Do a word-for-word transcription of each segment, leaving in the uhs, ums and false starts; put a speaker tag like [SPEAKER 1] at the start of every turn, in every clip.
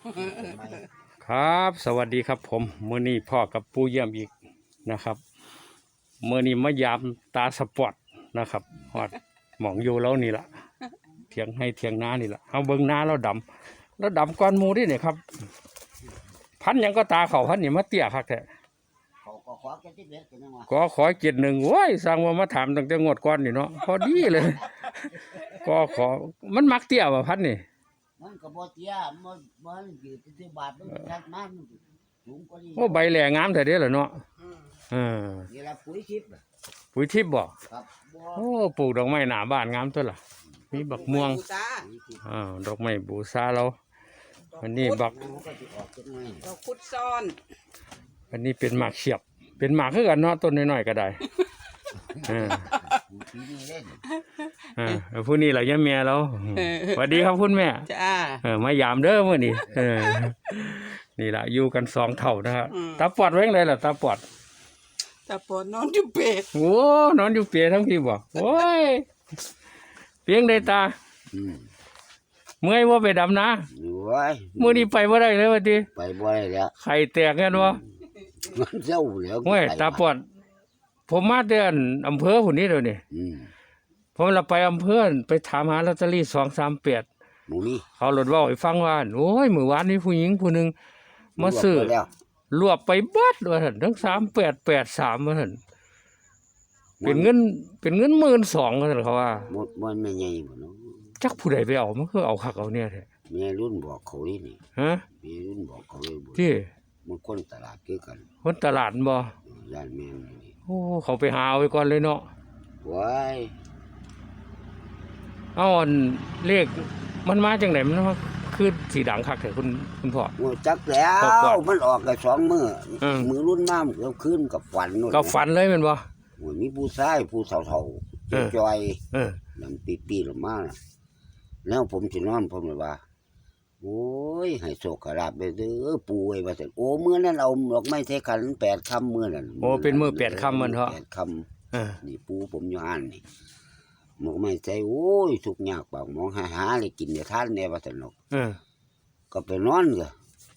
[SPEAKER 1] ครับสวัสดีครับผมมื้อนี้พ่อกับปู่เยี่ยมอีกนะครับมื้อนี้มายามตาสปอร์ตนะครับฮอดหมองอยู่แล้วนี่ล่ะเถียงให้เถียงนานี่ล่ะเฮาเบิ่งนาแล้วดำแล้วดำก้อนหมู่ดิเนี่ยครับพันหยังก็ตาเขาพันนี่มาเตี้ยคักแท้ก็ขอเจ็ดหนึ่งโว้ยสร้างว่ามาถามตั้งแต่งวดก่อนนี่เนาะพอดีเลยก็ขอมันมักเตี้ยบ่พันนี่
[SPEAKER 2] มันก็บ่เตี้ยมันมันอยู่ที่บาทมันชัดมากสูงกว่านี้
[SPEAKER 1] โอ้ใบแหล่งามแต่เด้อล่ะเนาะเออ
[SPEAKER 2] นี่ล่ะปุ๋ยทิพย์
[SPEAKER 1] ปุ๋ยทิพย์บ่
[SPEAKER 2] ครับ
[SPEAKER 1] โอ้ปลูกดอกไม้หน้าบ้านงามตัวล่ะมีบักม่วงอ่าดอกไม้บูชาเราอันนี้บัก
[SPEAKER 3] ดอกคุดซ้อน
[SPEAKER 1] อันนี้เป็นหมากเฉียบเป็นหมากคือกันเนาะต้นน้อยๆก็ได้อ่าอ่าผู้นี้ล่ะย่าแม่เราสวัสดีครับคุณแม่
[SPEAKER 3] จ้า
[SPEAKER 1] เออมายามเด้อมื้อนี้เออนี่ล่ะอยู่กันสองเท่านะครับตาปอดไว้จังไดล่ะตาปอด
[SPEAKER 3] ตาปอดนอนอยู่เปรต
[SPEAKER 1] โอ้นอนอยู่เปรตทั้งพี่บ่โอ้ยเพียงใดตาเมื่อยบ่ไปดำนา
[SPEAKER 2] โอ้ย
[SPEAKER 1] มื้อนี้ไปบ่ได้เลยว่าติ
[SPEAKER 2] ไปบ่ได้แล้ว
[SPEAKER 1] ไข่แตกกันบ่
[SPEAKER 2] มันเจ้าแล้ว
[SPEAKER 1] โอ้ยตาปอดผมมาเดือนอำเภอพุ่นนี้เดี๋ยวนี้ผมเราไปอำเภอไปถามหาลอตเตอรี่สองสามแปด
[SPEAKER 2] หมู่นี้
[SPEAKER 1] เขาหลดว่าให้ฟังว่าโอ้ยมื้อวานนี้ผู้หญิงผู้หนึงมาซื้อรวบไปเบิดว่าซั่นทั้งสามแปดแปดสามว่าซั่นเป็นเงินเป็นเงินหมื่นสองว่าซั่นเขาว่า
[SPEAKER 2] มันไม่ใหญ่บ่เนาะ
[SPEAKER 1] จักผู้ใดไปเอามันคือเอาคักเอาเนี่ยแท้
[SPEAKER 2] แม่รุ่นบอกเขานี่นี่
[SPEAKER 1] ฮะ
[SPEAKER 2] แม่รุ่นบอกเขาเลยบ่
[SPEAKER 1] ที่
[SPEAKER 2] มันคนตลาดคือกัน
[SPEAKER 1] คนตลาดบ่
[SPEAKER 2] ย่านแม่นี่
[SPEAKER 1] โอ้เขาไปหาเอาไว้ก่อนเลยเนาะ
[SPEAKER 2] ว้าย
[SPEAKER 1] เอาอันเลขมันมาจังได๋มันมาคือสีดังคักแท้คุณคุณพ่อ
[SPEAKER 2] โอ้จักแล้วมันออกได้สองมื้อมื้อรุ่นมามันก็คืนกับฝันนู่น
[SPEAKER 1] ก็ฝันเลยแม่นบ่
[SPEAKER 2] โอ้มีผู้ชายผู้เฒ่าๆจอย
[SPEAKER 1] เออ
[SPEAKER 2] นั่นปีๆลงมาแล้วผมสินอนผมเลยว่าโอ้ยให้โชคลาภเด้อปู่ไอ้ว่าซั่นโอ้มื้อนั้นเอาดอกไม้ใส่ขันแปดค่ำมื้อนั้น
[SPEAKER 1] โอ้เป็นมื้อแปดค่ำมันเถาะ
[SPEAKER 2] แปดค่ำเออนี่ปู่ผมอยู่อ่านนี่ดอกไม้ใส่โอ้ยทุกข์ยากปากหมองหาหาเลยกินได้ทานแน่ว่าซั่นเนาะ
[SPEAKER 1] เออ
[SPEAKER 2] ก็ไปนอนก็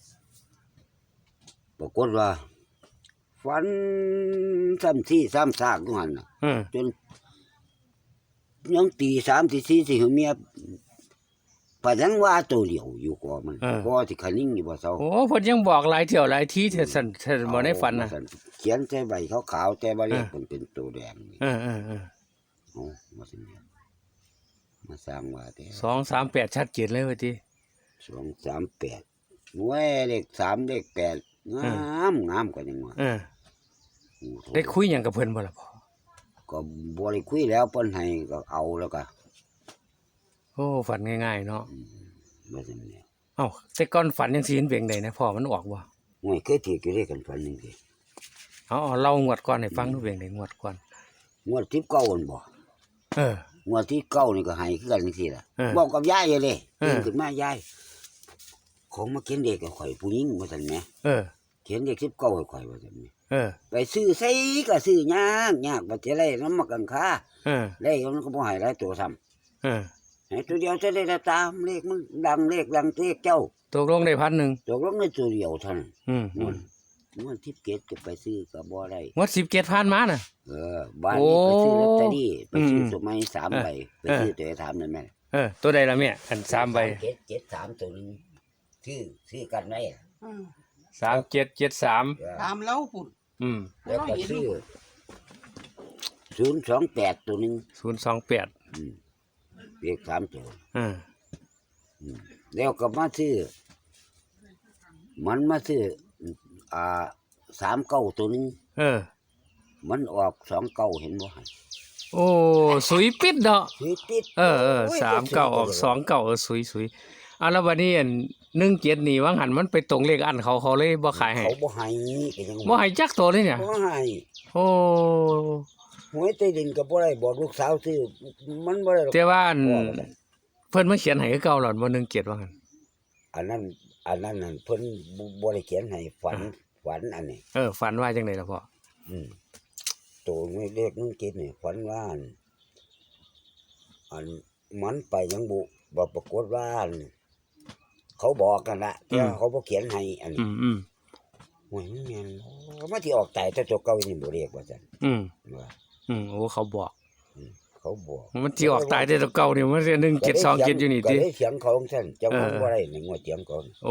[SPEAKER 2] ปรากฏว่าฝันซ้ำที่ซ้ำซากอยู่หั่นน่ะจนยังตีสามตีสี่สิเมียปะยังว่าตัวเดียวอยู่กว่ามันก็สิคันนิ่งอยู่บ่เซา
[SPEAKER 1] โอ้เพิ่นยังบอกหลายเที่ยวหลายทีเท่าซั่นเท่าบ่ได้ฝันน่ะ
[SPEAKER 2] เขียนใส่ใบขาวๆแต่ว่าเลขมันเป็นตัวแดงนี่
[SPEAKER 1] เออๆ
[SPEAKER 2] ๆโอ้ว่าซั่นมาสร้างว่าแต่
[SPEAKER 1] สอง สาม แปดชัดเจนเลยว่าติ
[SPEAKER 2] สอง สาม แปดหน่วยเลขสามเลขแปดงามงามกว่าจังว่า
[SPEAKER 1] เออได้คุยหยังกับเพิ่นบ่ล่ะพ่อ
[SPEAKER 2] ก็บ่ได้คุยแล้วเพิ่นให้ก็เอาแล้วก็
[SPEAKER 1] โอ้ฝันง่ายๆเนาะ
[SPEAKER 2] บ่ซั่นแหละ
[SPEAKER 1] เอ้าแต่ก่อนฝันจังซี่เห็นเพียงใดนะพ่อมันออกบ่
[SPEAKER 2] โอ้ยเคยถืออยู่ด้วยกันฝันจังซี่
[SPEAKER 1] เอาๆเล่างวดก่อนให้ฟังดูเพียงใดงวดก่อน
[SPEAKER 2] งวดที่เก้านั่นบ่
[SPEAKER 1] เออง
[SPEAKER 2] วดที่เก้านี่ก็ให้คือกันจังซี่ล่ะบอกกับยายเลยตื่นขึ้นมายายของมาเขียนเด็กให้ข่อยผู้หญิงว่าซั่นแหม
[SPEAKER 1] เออ
[SPEAKER 2] เขียนเด็กสิบเก้าให้ข่อยว่าซั่นแหม
[SPEAKER 1] เออ
[SPEAKER 2] ไปซื้อไสก็ซื้อยากยากบ่สิได้นำมากันค่า
[SPEAKER 1] เออ
[SPEAKER 2] ได้มันก็บ่ให้หลายตัวซ้ำ
[SPEAKER 1] เออ
[SPEAKER 2] ให้ตัวเดียวจะได้ตามเลขมันดังเลขดังเลขเจ้า
[SPEAKER 1] ตกลงได้พันหนึ่ง
[SPEAKER 2] ตกลงได้ตัวเดียวเท่านั้น
[SPEAKER 1] อืม
[SPEAKER 2] มันมันทิพย์เกตก็ไปซื้อก็บ่ได้
[SPEAKER 1] งวดสิบเจ็ดพันมาน่ะ
[SPEAKER 2] เออบ้านนี้ไปซื้อลอตเตอรี่ไปซื้อสมัยสามใบไปซื้อตัวถามนั่นแม่
[SPEAKER 1] เออตัวใดล่ะแม่อันสามใบ
[SPEAKER 2] เจ็ดเจ็ดสามตัวนึงซื้อซื้อกันไว้
[SPEAKER 1] สามเจ็ดเจ็ดสาม
[SPEAKER 3] ตามเล่าพุ่น
[SPEAKER 1] อืม
[SPEAKER 2] แล้วก็ซื้อศูนย์สองแปดตัวนึง
[SPEAKER 1] ศูนย์สองแปด
[SPEAKER 2] อืมเลขสามตัว
[SPEAKER 1] อ่า
[SPEAKER 2] แล้วก็มาซื้อมันมาซื้ออ่าสามเก้าตัวนึง
[SPEAKER 1] เออ
[SPEAKER 2] มันออกสองเก้าเห็นบ่ฮะ
[SPEAKER 1] โอ้สุยปิดเนาะ
[SPEAKER 2] สุยปิด
[SPEAKER 1] เออเออสามเก้าออกสองเก้าเออสุยสุยอ่ะแล้ววันนี้อันหนึ่งเจ็ดนี่ว่าหันมันไปตรงเลขอันเขาเขาเลยบ่ขายให้
[SPEAKER 2] เขาบ่ให้ก็ยัง
[SPEAKER 1] บ่ให้จักตัวเลยเนี่ย
[SPEAKER 2] บ่ให้
[SPEAKER 1] โอ้
[SPEAKER 2] หวยใต้ดินก็บ่ได้บอกลูกสาวซื้อมันบ่ได้
[SPEAKER 1] แต่ว่าเพิ่นมาเขียนให้คือเก่าหรอบ่หนึ่งเจ็ดว่าหั่น
[SPEAKER 2] อันนั้นอันนั้นนั่นเพิ่นบ่ได้เขียนให้ฝันฝันอันนี้
[SPEAKER 1] เออฝันว่าจังได๋ล่ะพ่อ
[SPEAKER 2] อืมตัวเลขหนึ่งเจ็ดนี่ฝันว่าอันมันไปยังบุบ่ปรากฏว่าเขาบอกกันละแต่
[SPEAKER 1] อืม
[SPEAKER 2] เขาบ่เขียนให้อัน
[SPEAKER 1] อื
[SPEAKER 2] นี้
[SPEAKER 1] มอืม
[SPEAKER 2] โอ้ยมันแม่นบ่มาที่ออกตายแต่ตัวเก่านี่บ่เรียกว่าซั่น
[SPEAKER 1] อืม
[SPEAKER 2] ว่า
[SPEAKER 1] อืมโอ้เขาบอก
[SPEAKER 2] เขาบอก
[SPEAKER 1] มันที่ออกตายได้ตัวเก่านี่มันหนึ่งเจ็ดสองเจ็ดอยู่นี่
[SPEAKER 2] ก็
[SPEAKER 1] ติ
[SPEAKER 2] เลยเถียงเขาของซั่นเจ้าของ
[SPEAKER 1] เออ
[SPEAKER 2] บ่ได้ในงวดเถียงเขา
[SPEAKER 1] โอ้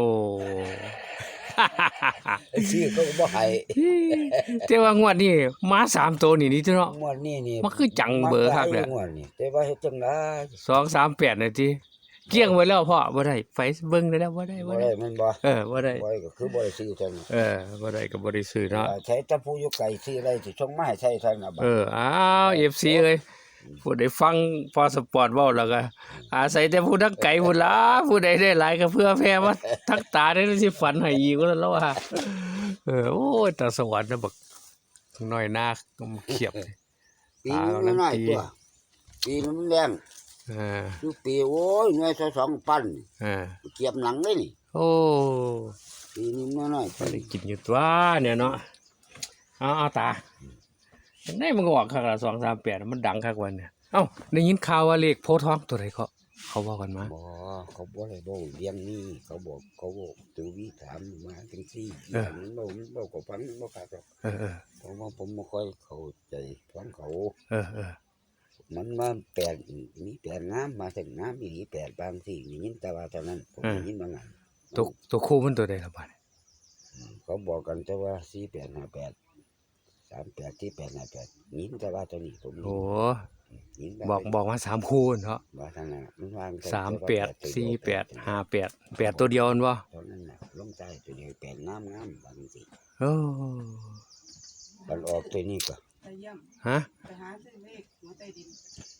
[SPEAKER 2] ไอ้ชื่อเขาก็บ่ให้
[SPEAKER 1] แต่ว่างวดนี้มาสามตัวนี่นี่เนาะ
[SPEAKER 2] งวดนี้นี่
[SPEAKER 1] มันคือจังเบอร์คักเนี่ย
[SPEAKER 2] งวดนี้แต่ว่าเฮ็ดจังได๋
[SPEAKER 1] สองสามแปดนาทีเกลี้ยงไว้แล้วพ่อบ่ได้ไฟเบิ่งได้แล้วบ่ได้
[SPEAKER 2] บ่
[SPEAKER 1] บ่
[SPEAKER 2] ได้
[SPEAKER 1] ได้
[SPEAKER 2] มันบ่
[SPEAKER 1] เออบ่ได้
[SPEAKER 2] บ่ได้ก็คือบ่ได้ซื้อเท่านั้น
[SPEAKER 1] เออบ่ได้ก็บ่ได้ซื้อเนาะ
[SPEAKER 2] ใช้แต่ผู้อยู่ไกลซื้อได้สิส่งมาให้ใช้เท่านั้นบัด
[SPEAKER 1] เอออ้าว เอฟ ซี เอ้ยผู้ใดฟังพอสปอร์ตเว้าแล้วก็อาศัยแต่ผู้ทักไกลพุ่นล่ะผู้ใดได้หลายก็เพื่อแพ้มาทักตาได้สิฝันให้อีกว่าแล้วว่าเออโอ้ยตาสวรรค์นะบักน้อยหน้าก็มาเขียบเลย
[SPEAKER 2] ปีนึงน้อยๆตัวปีนึงมันแรง
[SPEAKER 1] เออ
[SPEAKER 2] อยู่ปีโอ้ยหน่วยสองปัน
[SPEAKER 1] เออ
[SPEAKER 2] เกียบหนังเลยนี่
[SPEAKER 1] โอ้
[SPEAKER 2] ปีนึงน้อย
[SPEAKER 1] บ่ได้กินอยู่ตัวเนี่ยเนาะเอาเอาตาได้มันก็ออกคักละสองสามแปดมันดังคักวันเนี่ยเอ้าได้ยินข่าวว่าเลขโพธิ์ทองตัวใดเขาเขาว่ากันมา
[SPEAKER 2] ๆบ่เขาบ่ได้บ่เลี้ยงนี่เขาบอกเขาบอกตัววิถามมาจังซี่
[SPEAKER 1] เออ
[SPEAKER 2] มันบ่มันบ่ก็ฟังบ่ขาดหรอก
[SPEAKER 1] เออเออ
[SPEAKER 2] เพราะว่าผมบ่ค่อยเข้าใจฟังเขา
[SPEAKER 1] เออเออ
[SPEAKER 2] มันมาแปลกมีแปลกน้ำมาถึงน้ำมีแปลกบางสิ่งนี่ยินแต่ว่าเท่านั้นผมได้ยินบางอัน
[SPEAKER 1] ตัวตัวคู่มันตัวใดละบาด
[SPEAKER 2] เขาบอกกันแต่ว่าสี่แปดห้าแปดสามแปดที่แปดห้าแปดยินแต่ว่าตัวนี้ผม
[SPEAKER 1] โอ้
[SPEAKER 2] ยิน
[SPEAKER 1] บอกบอกว่าสามคู่เนาะ
[SPEAKER 2] ว่าทางนั้นมันวาง
[SPEAKER 1] สามแปดสี่แปดห้าแปดแปดตัวเดียวนั่นวะ
[SPEAKER 2] ตอนนั้นน่ะลงใต้ตัวเดียวแปดน้ำน้ำบางสิ่ง
[SPEAKER 1] โอ้
[SPEAKER 2] มันออกตัวนี้ก็
[SPEAKER 3] ไปเยี่ยม
[SPEAKER 1] ฮะ
[SPEAKER 3] ไปหาซื้อเลขหัวใต้ดิน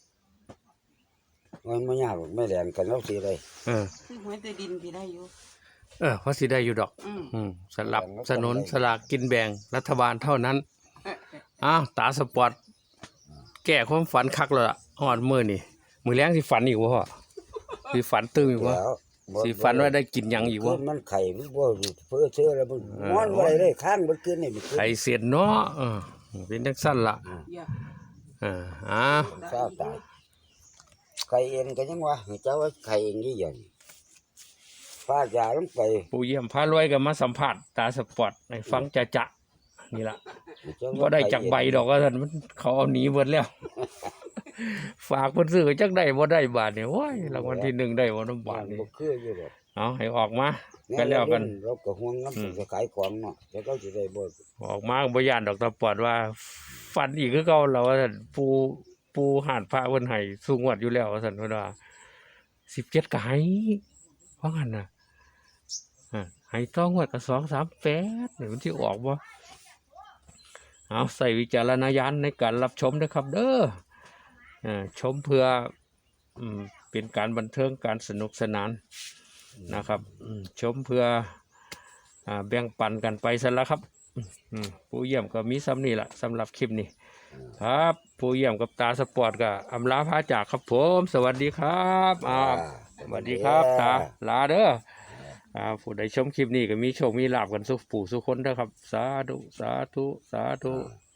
[SPEAKER 2] มันไม่ยากหรอกไม่แรงกันแล้วสิเลย
[SPEAKER 1] เออ
[SPEAKER 3] ซื้อหัวใต้ดินที่ได้อยู่
[SPEAKER 1] เออเพราะสิได้อยู่ดอก
[SPEAKER 3] อืม
[SPEAKER 1] อืมสลับสนุนสลากกินแบ่งรัฐบาลเท่านั้นอ้าวตาสปอร์ตแก้ความฝันคักแล้วล่ะหอดมือนี่มือแรงสิฝันอีกวะพ่อสิฝันตื่นอีกวะ
[SPEAKER 2] แล้วบ่
[SPEAKER 1] สิฝันว่าได้กินหยังอีก
[SPEAKER 2] คื
[SPEAKER 1] วะ
[SPEAKER 2] นมันไข่มันบ่เพื่อเชื่อแล้วมัน
[SPEAKER 1] เออ
[SPEAKER 2] นอนบ่ได้เลยข้างมันขึ้นนี่มันขึ้น
[SPEAKER 1] ไข่เสียดเนาะเออเป็นจังสั้นล่ะ
[SPEAKER 3] อย่า
[SPEAKER 1] เอออ้าว
[SPEAKER 2] เศร้าตายไข่เองก็ยังว่าเจ้าว่าไข่เองนี่อย่างฟาดยาลงไป
[SPEAKER 1] ปู่เยี่ยมพารวยก็มาสัมผัสตาสปอร์ตให้ฟังจะจะนี่ล่ะ
[SPEAKER 2] เจ้า
[SPEAKER 1] ก็
[SPEAKER 2] ว่า
[SPEAKER 1] ได้
[SPEAKER 2] ข่
[SPEAKER 1] จากใบดอกก็ท่านมันเขาเอาหนีหมดแล้ว ฝากเพิ่นซื้อจักได้บ่ได้บาทนี่โอ้ยรางวัลที่หนึ่งได้บ่น้ำบาทนี่
[SPEAKER 2] บ่คืออยู่ดอก
[SPEAKER 1] เอาให้ออกมากันแล้วกัน
[SPEAKER 2] เราก็ห่วงน้ำจะขายของเนาะแต่เขาสิได้บ่
[SPEAKER 1] ออกมาก็บ่ย่านดอกตาปอดว่าฝันอีกคือเก่าแล้วว่าซั่นปูปูหาดพระเพิ่นให้สูงวัดอยู่แล้วว่าซั่นเพิ่นว่าสิบเจ็ดก็ให้ว่างั้นน่ะอ่าให้ต้องงวดก็สอง สาม แปดนี่มันสิออกบ่เอาใส่วิจารณญาณในการรับชมด้วยครับเด้ออ่าชมเพื่ออืมเป็นการบันเทิงการสนุกสนานนะครับอืมชมเพื่ออ่าแบ่งปันกันไปซะแล้วครับอืมผู้เยี่ยมก็มีซ้ำนี่แหละสำหรับคลิปนี้ครับผู้เยี่ยมกับตาสปอร์ตก็อำลาพาจากครับผมสวัสดีครับอ่าสวัสดีครับตาลาเด้ออ่าผู้ใดชมคลิปนี้ก็มีโชคมีลาภกันสุขผู้สุขคนเด้อครับ สาธุสาธุสาธุ
[SPEAKER 2] อ่า